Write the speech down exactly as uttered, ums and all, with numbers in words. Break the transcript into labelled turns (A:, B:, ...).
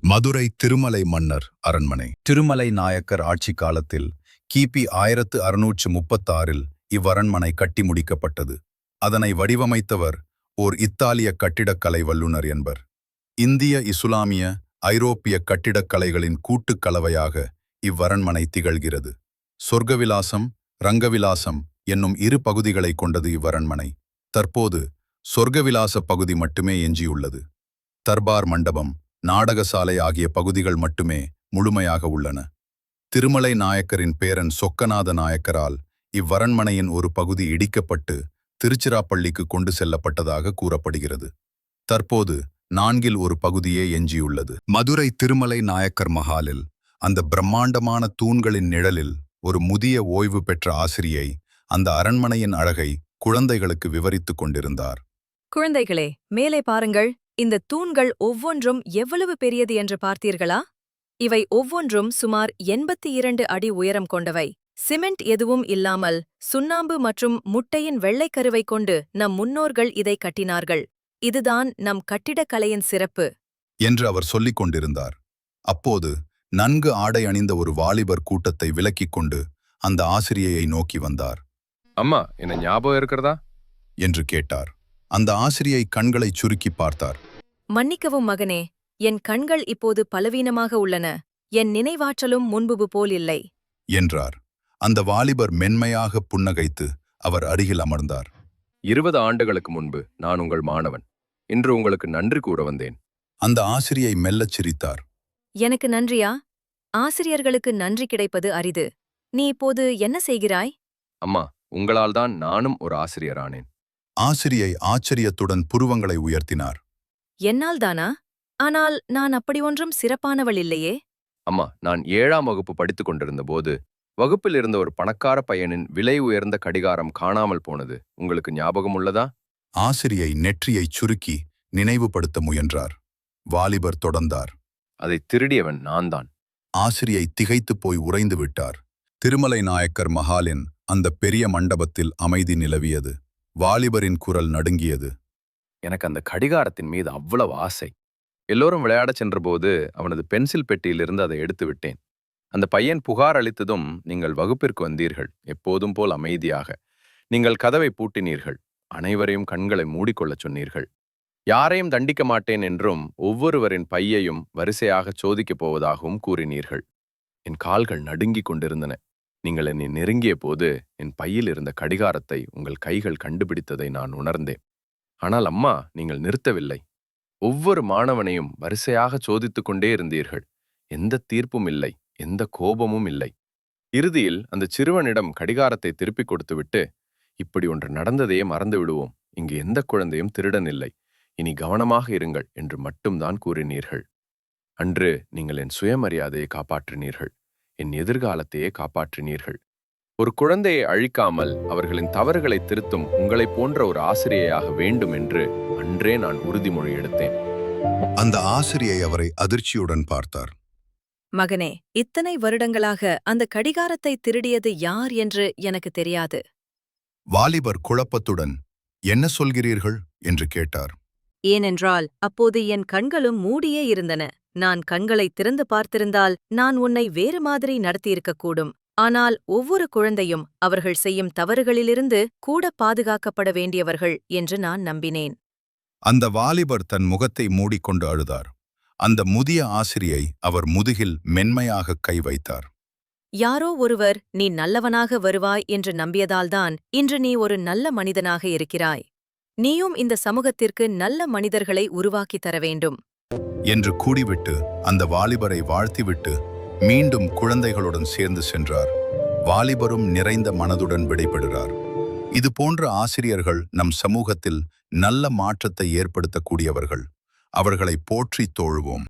A: மதுரை திருமலை மன்னர் அரண்மனை. திருமலை நாயக்கர் ஆட்சி காலத்தில் கிபி ஆயிரத்து அறுநூற்று முப்பத்தாறில் இவ்வரண்மனை கட்டி முடிக்கப்பட்டது. அதனை வடிவமைத்தவர் ஓர் இத்தாலிய கட்டிடக்கலை வல்லுநர் என்பர். இந்திய இசுலாமிய ஐரோப்பிய கட்டிடக்கலைகளின் கூட்டுக் கலவையாக இவ்வரண்மனை திகழ்கிறது. சொர்க்கவிலாசம், ரங்கவிலாசம் என்னும் இரு பகுதிகளை கொண்டது இவ்வரண்மனை. தற்போது சொர்க்கவிலாச பகுதி மட்டுமே எஞ்சியுள்ளது. தர்பார் மண்டபம், நாடகசாலை ஆகிய பகுதிகள் மட்டுமே முழுமையாக உள்ளன. திருமலை நாயக்கரின் பேரன் சொக்கநாத நாயக்கரால் இவ்வரண்மனையின் ஒரு பகுதி இடிக்கப்பட்டு திருச்சிராப்பள்ளிக்கு கொண்டு செல்லப்பட்டதாக கூறப்படுகிறது. தற்போது நான்கில் ஒரு பகுதியே எஞ்சியுள்ளது. மதுரை திருமலை நாயக்கர் மஹாலில் அந்த பிரம்மாண்டமான தூண்களின் நிழலில் ஒரு முதிய ஓய்வு பெற்ற ஆசிரியை அந்த அரண்மனையின் அழகை குழந்தைகளுக்கு விவரித்துக் கொண்டிருந்தார்.
B: குழந்தைகளே, மேலே பாருங்கள். இந்த தூண்கள் ஒவ்வொன்றும் எவ்வளவு பெரியது என்று பார்த்தீர்களா? இவை ஒவ்வொன்றும் சுமார் எண்பத்தி இரண்டு அடி உயரம் கொண்டவை. சிமெண்ட் எதுவும் இல்லாமல் சுண்ணாம்பு மற்றும் முட்டையின் வெள்ளைக்கருவை கொண்டு நம் முன்னோர்கள் இதை கட்டினார்கள். இதுதான் நம் கட்டிடக்கலையின் சிறப்பு
A: என்று அவர் சொல்லிக் கொண்டிருந்தார். அப்போது நன்கு ஆடை அணிந்த ஒரு வாலிபர் கூட்டத்தை விலக்கிக் கொண்டு அந்த ஆசிரியையை நோக்கி வந்தார்.
C: அம்மா, என்ன ஞாபகம் இருக்கிறதா
A: என்று கேட்டார். அந்த ஆசிரியை கண்களை சுருக்கி பார்த்தார்.
B: மன்னிக்கவும் மகனே, என் கண்கள் இப்போது பலவீனமாக உள்ளன. என் நினைவாற்றலும் முன்பு போல் இல்லை
A: என்றார். அந்த வாலிபர் மென்மையாக புன்னகைத்து அவர் அருகில் அமர்ந்தார்.
C: இருபது ஆண்டுகளுக்கு முன்பு நான் உங்கள் மாணவன். இன்று உங்களுக்கு நன்றி கூற வந்தேன்.
A: அந்த ஆசிரியை மெல்லச் சிரித்தார்.
B: எனக்கு நன்றியா? ஆசிரியர்களுக்கு நன்றி கிடைப்பது அரிது. நீ இப்போது என்ன செய்கிறாய்?
C: அம்மா, உங்களால் தான் நானும் ஒரு ஆசிரியரானேன்.
A: ஆசிரியை ஆச்சரியத்துடன் புருவங்களை உயர்த்தினார்.
B: என்னால் தானா? ஆனால் நான் அப்படி ஒன்றும் சிறப்பானவள் இல்லையே.
C: அம்மா, நான் ஏழாம் வகுப்பு படித்துக் கொண்டிருந்த போது வகுப்பில் இருந்த ஒரு பணக்கார பையனின் விலை உயர்ந்த கடிகாரம் காணாமல் போனது உங்களுக்கு ஞாபகம் உள்ளதா?
A: ஆசிரியை நெற்றியைச் சுருக்கி நினைவுபடுத்த முயன்றார். வாலிபர் தொடர்ந்தார்.
C: அதை திருடியவன் நான் தான்.
A: ஆசிரியை திகைத்துப் போய் உறைந்து விட்டார். திருமலை நாயக்கர் மஹாலின் அந்த பெரிய மண்டபத்தில் அமைதி நிலவியது. வாலிபரின் குரல் நடுங்கியது.
C: எனக்கு அந்த கடிகாரத்தின் மீது அவ்வளவு ஆசை. எல்லோரும் விளையாடச் சென்றபோது அவனது பென்சில் பெட்டியிலிருந்து அதை எடுத்து விட்டேன். அந்த பையன் புகார் அளித்ததும் நீங்கள் வகுப்பிற்கு வந்தீர்கள், எப்போதும் போல் அமைதியாக. நீங்கள் கதவை பூட்டினீர்கள். அனைவரையும் கண்களை மூடிக்கொள்ளச் சொன்னீர்கள். யாரையும் தண்டிக்க மாட்டேன் என்றும் ஒவ்வொருவரின் பையையும் வரிசையாகச் சோதிக்கப் போவதாகவும் கூறினீர்கள். என் கால்கள் நடுங்கிக் கொண்டிருந்தன. நீங்கள் என்னை நெருங்கிய போது என் பையில் இருந்த கடிகாரத்தை உங்கள் கைகள் கண்டுபிடித்ததை நான் உணர்ந்தேன். ஆனால் அம்மா, நீங்கள் நிறுத்தவில்லை. ஒவ்வொரு மாணவனையும் வரிசையாக சோதித்துக் கொண்டே இருந்தீர்கள். எந்த தீர்ப்பும் இல்லை, எந்த கோபமும் இல்லை. இறுதியில் அந்த சிறுவனிடம் கடிகாரத்தை திருப்பிக் கொடுத்துவிட்டு, இப்படி ஒன்று நடந்ததையே மறந்து விடுவோம். இங்கு எந்த குழந்தையும் திருடன் இல்லை. இனி கவனமாக இருங்கள் என்று மட்டும்தான் கூறினீர்கள். அன்று நீங்கள் என் சுயமரியாதையை காப்பாற்றினீர்கள். என் எதிர்காலத்தையே காப்பாற்றினீர்கள். ஒரு குழந்தையை அழிக்காமல் அவர்களின் தவறுகளை திருத்தும் உங்களைப் போன்ற ஒரு ஆசிரியையாக வேண்டும் என்று அன்றே நான் உறுதிமொழி எடுத்தேன்.
A: அந்த ஆசிரியை அவரை அதிர்ச்சியுடன் பார்த்தார்.
B: மகனே, இத்தனை வருடங்களாக அந்த கடிகாரத்தை திருடியது யார் என்று எனக்கு தெரியாது.
A: வாலிபர் குழப்பத்துடன் என்ன சொல்கிறீர்கள் என்று கேட்டார்.
B: ஏனென்றால் அப்போது என் கண்களும் மூடியே இருந்தன. நான் கண்களை திறந்து பார்த்திருந்தால் நான் உன்னை வேறு மாதிரி நடத்தியிருக்கக்கூடும். ஆனால் ஒவ்வொரு குழந்தையும் அவர்கள் செய்யும் தவறுகளிலிருந்து கூட பாதுகாக்கப்பட வேண்டியவர்கள் என்று நான் நம்பினேன்.
A: அந்த வாலிபர் தன் முகத்தை மூடிக்கொண்டு அழுதார். அந்த முதிய ஆசிரியை அவர் முதுகில் மென்மையாக கை வைத்தார்.
B: யாரோ ஒருவர் நீ நல்லவனாக வருவாய் என்று நம்பியதால்தான் இன்று நீ ஒரு நல்ல மனிதனாக இருக்கிறாய். நீயும் இந்த சமூகத்திற்கு நல்ல மனிதர்களை உருவாக்கித் தர வேண்டும்
A: என்று கூறிவிட்டு அந்த வாலிபரை வாழ்த்திவிட்டு மீண்டும் குழந்தைகளுடன் சேர்ந்து சென்றார். வாலிபரும் நிறைந்த மனதுடன் விடைபெறுகிறார். இது போன்ற ஆசிரியர்கள் நம் சமூகத்தில் நல்ல மாற்றத்தை ஏற்படுத்தக்கூடியவர்கள். அவர்களை போற்றித் தோழுவோம்.